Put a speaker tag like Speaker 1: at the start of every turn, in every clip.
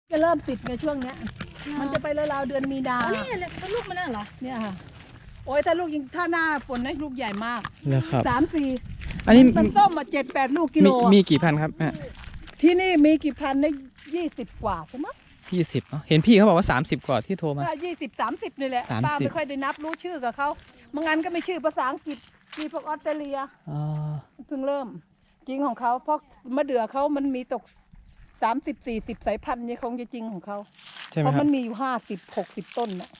Speaker 1: จะเริ่มติดในช่วงเนี้ยมันจะไปราวๆเดือนมีนา
Speaker 2: นี่เลยถ้าลูกมันน่ะเหรอ
Speaker 1: เนี่ยค่ะโอ้ยถ้าลูกยิงถ้าหน้าฝนนะลูกใหญ่มาก
Speaker 3: แล้วครับ
Speaker 1: 3-4
Speaker 3: อันนี้
Speaker 1: มันต้มมา7-8 ลูกกิโล
Speaker 3: มีกี่พันครับแม่
Speaker 1: ที่นี่มีกี่พันได้20 กว่าใช่ไหม
Speaker 3: 20เนาะเห็นพี่เขาบอกว่า30กว่าที่โทรมา
Speaker 1: ก็20-30นี่แหละ
Speaker 3: 30
Speaker 1: ป้าไม่ค่อยได้นับรู้ชื่อกับเขาบางอันก็ไม่ชื่อภาษาอังกฤษมีพวกออสเตรเลีย
Speaker 3: อ๋อ
Speaker 1: เพิ่งเริ่มจริงของเขาเพราะมะเดื่อเขามันมีตก30-40 สายพันธุ์เนี่ยคงจะจริงของเขา
Speaker 3: ใช่ไหม
Speaker 1: เพราะ
Speaker 3: ครั
Speaker 1: มั
Speaker 3: บ
Speaker 1: นมีอยู่50-60 ต้นน่ะ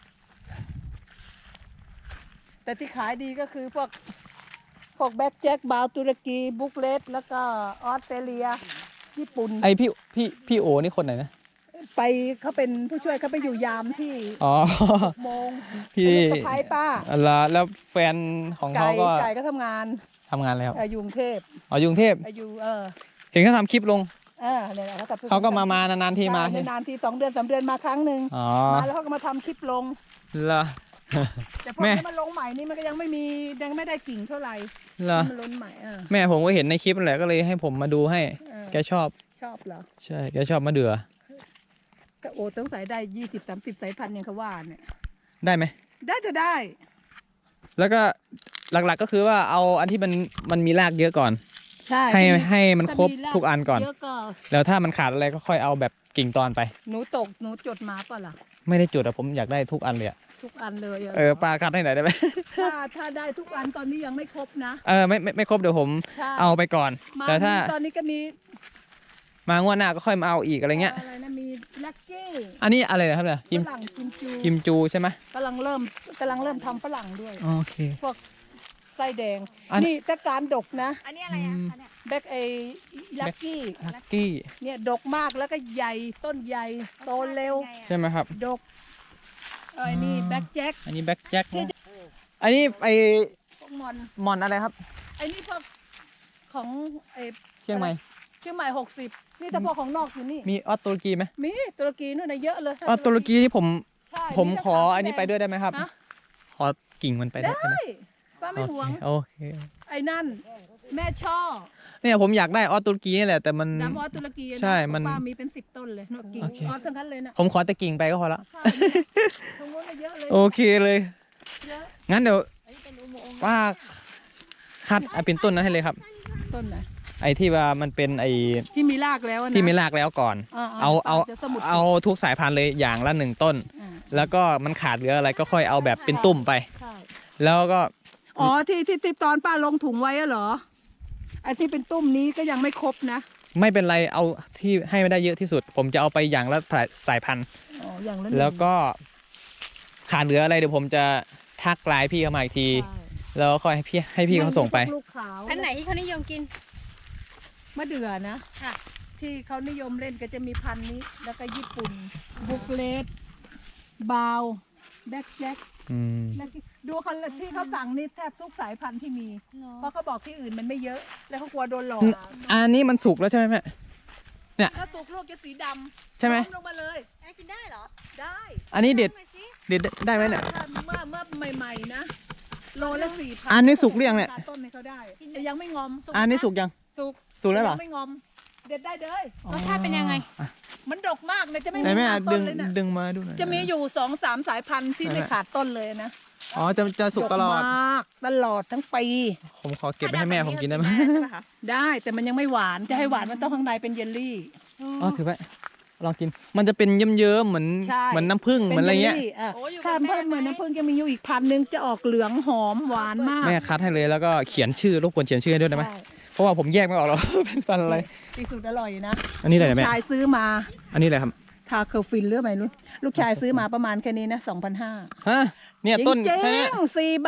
Speaker 1: แต่ที่ขายดีก็คือพวกแบ็คแจ็คบาวตุรกีบุกเลสแล้วก็ออสเตรเลียญี่ปุ่น
Speaker 3: ไอพี่โอนี่คนไหนนะ
Speaker 1: ไปเขาเป็นผู้ช่วยเขาไปอยู่ยามที่
Speaker 3: อ๋อ
Speaker 1: โมง
Speaker 3: พี่
Speaker 1: เป็นลูกสะพ้ายป้า
Speaker 3: แล้วแฟนของเขาก็
Speaker 1: ไก่ก็ทำงาน
Speaker 3: ทำงานอะไรครับ
Speaker 1: อยู่กรุงเทพ
Speaker 3: อ๋ออยู่กรุงเทพ
Speaker 1: อยู่
Speaker 3: เห็นเขาทำคลิปลง
Speaker 1: เนี่ยแหละ
Speaker 3: เขาก็มานานๆทีมา
Speaker 1: ใช่นานๆที2 เดือน 3 เดือนมาครั้งหนึ่ง
Speaker 3: อ๋อ
Speaker 1: มาแล้วเขาก็มาทำคลิปลง
Speaker 3: เหรอ
Speaker 1: แต่พอ
Speaker 3: แม่
Speaker 1: ที่มันลงใหม่นี่มันก็ยังไม่ได้กิ่งเท่าไหร่
Speaker 3: เหรอ
Speaker 1: มันล้นใหม่
Speaker 3: แม่ผมก็เห็นในคลิปนั่นแหละก็เลยให้ผมมาดูให้ แกชอบ
Speaker 1: ชอบเหรอ
Speaker 3: ใช่แกชอบมะเดื่อ
Speaker 1: ก็โอ้ต้องใส่ได้20-30 สายพันธุ์อย่างเขาว่าเนี่ย
Speaker 3: ได้ไหม
Speaker 1: ได้จะได้
Speaker 3: แล้วก็หลักๆก็คือว่าเอาอันที่มันมีรากเยอะก่อน
Speaker 1: ใช่
Speaker 3: ให้มันครบ
Speaker 1: ถ้ามี
Speaker 3: ทุกอันก่อน
Speaker 1: เยอะก็
Speaker 3: แล้วถ้ามันขาดอะไรก็ค่อยเอาแบบกิ่งตอนไป
Speaker 1: หนูจดมาป่ะล่ะ
Speaker 3: ไม่ได้จุดอะผมอยากได้ทุกอันเลยอะ
Speaker 1: ทุกอันเลยะ
Speaker 3: ปลาคัดให้หน่อยได้ไหม
Speaker 1: ถ้าได้ทุกอันตอนนี้ยังไม่ครบนะ
Speaker 3: ไม่ครบเดี๋ยวผม
Speaker 1: ใช่
Speaker 3: เอาไปก่อน
Speaker 1: มา
Speaker 3: แต่ถ้า
Speaker 1: ตอนนี้ก็มี
Speaker 3: มางวดหน้าก็ค่อยมาเอาอีกอะไรเงี้ย
Speaker 1: อะไรนะมีลักกี้
Speaker 3: อันนี้อะไรนะครับเนี่ย
Speaker 1: ฝรั่งกิมจู
Speaker 3: กิมจูใช่ไหม
Speaker 1: กำลังเริ่มทำฝรั่งด้วย
Speaker 3: โอเค
Speaker 1: พวกไส้แดง
Speaker 3: อัน
Speaker 1: นี่ถ้าการดกนะ
Speaker 2: อันนี้อะไรอ่ะอันเนี้ย
Speaker 1: แบ็กลักกี้
Speaker 3: ลักกี้
Speaker 1: เนี่ยดกมากแล้วก็ใหญ่ต้นใหญ่โตเร็ว
Speaker 3: ใช่ไหมครับ
Speaker 1: ดกไอ้นี่แบ็กแจ็ค
Speaker 3: อันนี้แบ็คแจ็คอันนี้ไอ
Speaker 1: พวกมอน
Speaker 3: มอนอะไรครับ
Speaker 1: ไอ้นี่พวกของไอ้
Speaker 3: เชียงใหม่
Speaker 1: เชียงใหม่60นี่แต่พวกของนอกอยู่นี่
Speaker 3: มีออสตุรกีไหม
Speaker 1: มีตุรกีนู่นนะเยอะเลย
Speaker 3: ออสตุรกีที่ผม
Speaker 1: ใช่
Speaker 3: ผมขออันนี้ไปด้วยได้ไหมครับ
Speaker 1: ฮะ
Speaker 3: ขอกิ่งมันไปได้
Speaker 1: ได้
Speaker 3: ไหม
Speaker 1: ป้าไม่หวง
Speaker 3: โอเค
Speaker 1: ไอ้นั่น แม่ช่อ
Speaker 3: เนี่ยผมอยากได้ออสตุรกีนี่แหละแต่มัน
Speaker 1: ดำออสตุรกีนะ
Speaker 3: ใช่มัน
Speaker 1: ป้ามีเป็น10 ต้นเลยนกกิ่ง
Speaker 3: โอเค
Speaker 1: ออสทั้งนั้นเลยนะ
Speaker 3: ผมขอแต่กิ่งไปก็พอละ
Speaker 1: ใช่ตรงนู้นน่ะเยอะเลย
Speaker 3: โอเคเลย
Speaker 1: เยอะ
Speaker 3: งั้นเดี๋ยว
Speaker 2: อันนี้เป็นอุโมงค์
Speaker 3: ป้าคัดเอาเป็นต้นนั้นให้เลยครับ
Speaker 1: ต้นไหน
Speaker 3: ไอ้ที่ว่ามันเป็นไอ้
Speaker 1: ที่มีรากแล้วนะ
Speaker 3: ที่ไม่รากแล้วก่อน เอา
Speaker 1: จะสมุด
Speaker 3: เอาทุกสายพันธุ์เลยอย่างละ1 ต้น
Speaker 1: อ่า
Speaker 3: แล้วก็มันขาดเหลืออะไรก็ค่อยเอาแบบเป็นตุ่มไป
Speaker 1: ใช่
Speaker 3: แล้วก็
Speaker 1: อ๋อที่ตอนป้าลงถุงไว้อะเหรอไอ้ที่เป็นตุ้มนี้ก็ยังไม่ครบนะ
Speaker 3: ไม่เป็นไรเอาที่ให้ไม่ได้เยอะที่สุด ผมจะเอาไปอย่างละสายพันธุ์
Speaker 1: อ๋ออย่างละหนึ่ง
Speaker 3: แล้วก็ขาดเหลืออะไรเดี๋ยวผมจะทักไลน์พี่เขามาอีกที
Speaker 1: ใช่
Speaker 3: แล้วก็ค่อยให้พี่เขาส่งไป
Speaker 1: ลูกขาว
Speaker 2: พันธุ์ไหนที่เขานิยมกิน
Speaker 1: มะเดื่อนะ
Speaker 2: ค่ะ
Speaker 1: ที่เขานิยมเล่นก็จะมีพันธุ์นี้ แล้วก็ญี่ปุ่นบุกเลสบาวแบ็คแจ็ค
Speaker 3: อืม
Speaker 1: แล้วดูเขาที่เขาสั่งนี่แทบทุกสายพันธุ์ที่มี เพราะเขาบอกที่อื่นมันไม่เยอะ แล้วเขากลัวโดนหลอก
Speaker 3: อันนี้มันสุกแล้วใช่ไหมแม่
Speaker 1: ถ้าตุกลูกจะสีดำ
Speaker 3: ใช่ไหม
Speaker 1: ลงมาเลย
Speaker 2: อันนี้กินได้เหรอ
Speaker 1: ได้
Speaker 3: อันนี้เด็ด
Speaker 2: ทำไมสิ
Speaker 3: เด็ดได้ไหมเนี่ย
Speaker 1: เมื่อใหม่ๆนะ โลละ4,000
Speaker 3: อันนี้สุกหรือยังเนี่ย
Speaker 1: ตัดต้นให้เขาได้แต่ยังไม่งอม
Speaker 3: อันนี้สุกยัง
Speaker 1: สุก
Speaker 3: สุกแล้วเหรอ
Speaker 1: ยังไม่งอม เด็ดได้เลย
Speaker 2: รสชาติเป็นยังไง
Speaker 3: อ่ะ
Speaker 1: มันดกมากเลยจะไม่
Speaker 3: ไหน
Speaker 1: มี
Speaker 3: แม่
Speaker 1: ขาดต้
Speaker 3: ดึ
Speaker 1: น
Speaker 3: ง
Speaker 1: เลยนะ
Speaker 3: ดึงมาดูหน่อย
Speaker 1: จะมีอยู่2-3 สายพันธุ์ที่ไม่ขาดต้นเลยนะ
Speaker 3: อ๋อจะสุกตลอด
Speaker 1: ดกมากตลอดทั้งปี
Speaker 3: ผมขอเก็บไปให้แม่ผมกินได้ไหม
Speaker 1: ได้แต่มันยังไม่หวานจะให้หวานมันต้องข้างในเป็นเยลลี่
Speaker 3: อ๋อถือไว้ลองกิน มันจะเป็นเยิ้มๆเหมือน
Speaker 1: ใช่
Speaker 3: เหมือนน้ำผึ้งเหมือนอะไรเงี้ย
Speaker 1: ป็นลลี่
Speaker 2: โอ้อยู่กับ
Speaker 1: ถ้า
Speaker 2: แม่
Speaker 1: เพิ่มเหมือนน้ำผึ้งจะมีอยู่อีกพันธุ์หนึงจะออกเหลืองหอมหวานมาก
Speaker 3: แม่คัดให้เลยแล้วก็เขียนชื่อรบกวนเขียนชื่อให้ด้วยได้ไหม
Speaker 1: ใช่
Speaker 3: เพราะว่าผมแยกไม่ออกหรอก เป็นฟันอะไร
Speaker 1: ที่สุดอร่อยนะ
Speaker 3: อันนี้อะไรเนี่ยแม่
Speaker 1: ลูกชายซื้อมา
Speaker 3: อันนี้อะไรครับ
Speaker 1: ทาเคอร์ฟินหรือไม่รู้ลูกชายซื้อมาประมาณแค่นี้นะ2,500
Speaker 3: ฮะเนี่ยต้น
Speaker 1: จริ
Speaker 3: แค่เนี้ย
Speaker 1: งๆ4 ใบ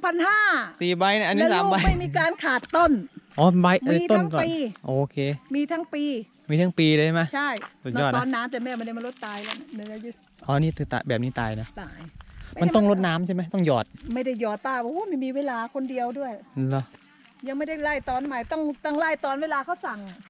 Speaker 1: 2,500
Speaker 3: 4 ใบเนี่ยอันนี้
Speaker 1: แล้ว
Speaker 3: 3
Speaker 1: ลู
Speaker 3: ใบ
Speaker 1: กไม่มีการขาดต้น
Speaker 3: อ๋อใบอัน
Speaker 1: มี
Speaker 3: นี้ต้น
Speaker 1: ทั้ง
Speaker 3: ก่อน
Speaker 1: ปี
Speaker 3: โอเค
Speaker 1: มีทั้งปี
Speaker 3: มีทั้งปีเลยใช่ไหม
Speaker 1: ใช่
Speaker 3: สุดยอดนะ
Speaker 1: ตอนน้ำแต่แม่ไม่ได้มาลดตายแล้วเนื้อยืด
Speaker 3: อ๋อนี่คือแบบนี้ตายนะ
Speaker 1: ตาย
Speaker 3: มันต้องรดน้ำใช่ไหมต้องหยอด
Speaker 1: ไม่ได้หยอดป้าบอกว่าไม่มีเวลาคนเดียวด้วย
Speaker 3: เหรอ
Speaker 1: ยังไม่ได้ไล่ตอนใหม่ต้องไล่ตอนเวลาเขาสั่ง